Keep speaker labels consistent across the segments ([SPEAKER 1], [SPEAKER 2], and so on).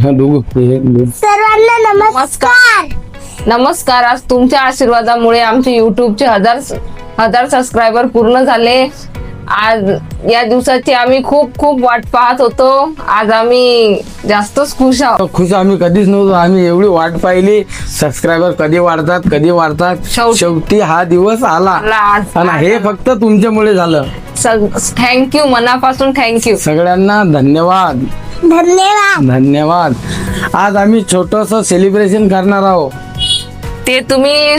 [SPEAKER 1] सर्वांना नमस्कार.
[SPEAKER 2] नमस्कार. आज तुमच्या आशीर्वादामुळे आमचे युट्यूबचे हजार सबस्क्रायबर पूर्ण झाले. आज या दिवसाची आम्ही खूप खूप वाट पाहत होतो. आज आम्ही जास्तच खुश आहोत.
[SPEAKER 3] खुश आम्ही कधीच नव्हतो. आम्ही एवढी वाट पाहिली, सबस्क्रायबर कधी वाढतात. शेवटी हा दिवस आला आणि हे फक्त तुमच्यामुळे झालं.
[SPEAKER 2] थँक्यू, मनापासून थँक्यू.
[SPEAKER 3] सगळ्यांना धन्यवाद. धन्यवाद. आज आम्ही छोटस सेलिब्रेशन करणार आहोत.
[SPEAKER 2] ते तुम्ही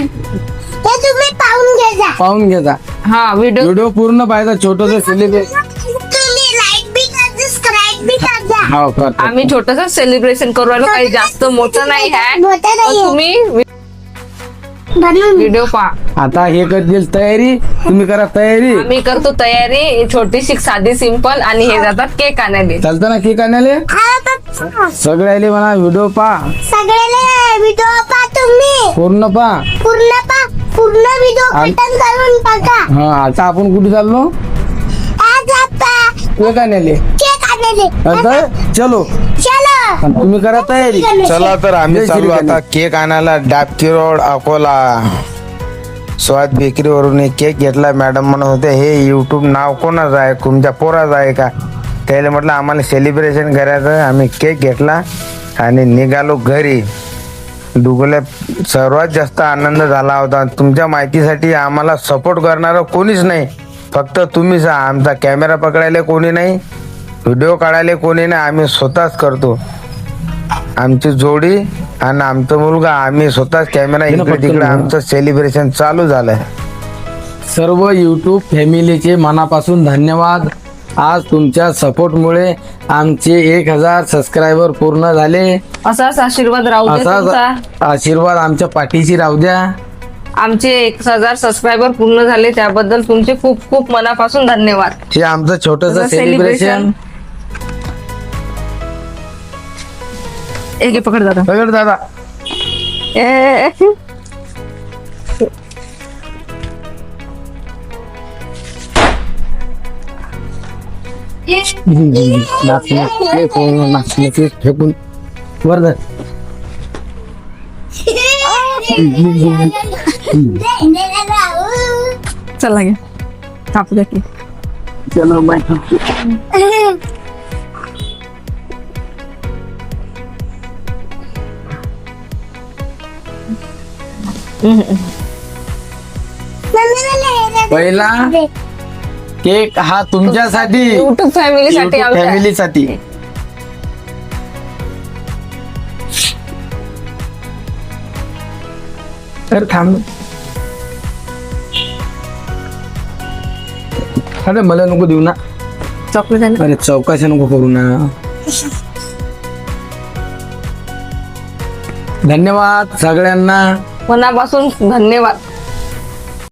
[SPEAKER 1] पाहून घ्या.
[SPEAKER 2] हा
[SPEAKER 3] व्हिडिओ पूर्ण पाहायचा. छोटस सेलिब्रेशन
[SPEAKER 1] तुम्ही लाईक बी करा, सबस्क्राईब बी करा.
[SPEAKER 3] हो करतो.
[SPEAKER 2] आम्ही छोटस सेलिब्रेशन करू राहिलो. काही जास्त मोठं नाही आहे. तुम्ही व्हिडिओ पहा.
[SPEAKER 3] आता हे करतील तयारी. तुम्ही करा तयारी.
[SPEAKER 2] आम्ही करतो तयारी छोटीशी, साधी, सिंपल. आणि हे जातात केक आणायला.
[SPEAKER 3] चालतं ना केक आणायला. सगळ्याले म्हणा व्हिडिओ पहा.
[SPEAKER 1] सगळ्याला व्हिडिओ पहा. तुम्ही
[SPEAKER 3] पूर्ण पहा.
[SPEAKER 1] पूर्ण व्हिडिओ कटन करून बघा.
[SPEAKER 3] हा आता आपण कुठे चाललो.
[SPEAKER 1] आज आपण
[SPEAKER 3] केक आणायले.
[SPEAKER 1] केक आणायले.
[SPEAKER 3] आता चलो. तुम्ही करा तयारी.
[SPEAKER 4] चला तर आम्ही चालू आता केक आणायला. डाबकी रोड, अकोला. स्वाद बेकरीवरून एक केक घेतला. मॅडम म्हणत होते हे युट्यूब नाव कोणाचं आहे, तुमच्या पोराचं आहे का. त्याला म्हटलं आम्हाला सेलिब्रेशन करायचं. आम्ही केक घेतला आणि निघालो घरी. डुगल्या सर्वात जास्त आनंद झाला होता. तुमच्या माहितीसाठी आम्हाला सपोर्ट करणारं कोणीच नाही, फक्त तुम्हीच. आमचा कॅमेरा पकडायला कोणी नाही, व्हिडिओ काढायला कोणी नाही. आम्ही स्वतःच करतो. आमची जोडी आणि आमचा मुलगा, आम्ही स्वतःच कॅमेरा इकडे तिकडे. आमचं सेलिब्रेशन चालू झालंय.
[SPEAKER 3] सर्व युट्यूब फॅमिलीचे मनापासून धन्यवाद. आज तुमच्या सपोर्टमुळे आमचे 1000 सबस्क्रायबर पूर्ण झाले.
[SPEAKER 2] असाच आशीर्वाद राहू दे तुमचा.
[SPEAKER 3] असाच आशीर्वाद आमच्या पाठीशी राहू द्या.
[SPEAKER 2] आमचे 1000 सबस्क्रायबर पूर्ण झाले त्याबद्दल तुमचे खूप खूप मनापासून धन्यवाद.
[SPEAKER 3] हे आमचं छोटस सेलिब्रेशन.
[SPEAKER 2] एक पकड दादा.
[SPEAKER 3] सगळं दादा. फेकून वर जा.
[SPEAKER 2] चला घ्या कापू द्या की.
[SPEAKER 3] चलो बाय. पहिला केक हा तुमच्यासाठी,
[SPEAKER 2] युट्यूब फॅमिलीसाठी.
[SPEAKER 3] फॅमिलीसाठी. तर थांब. अरे मला नको देऊ ना.
[SPEAKER 2] चॉकलेट.
[SPEAKER 3] अरे चौकशी नको करू ना. धन्यवाद सगळ्यांना.
[SPEAKER 2] मनापासून धन्यवाद.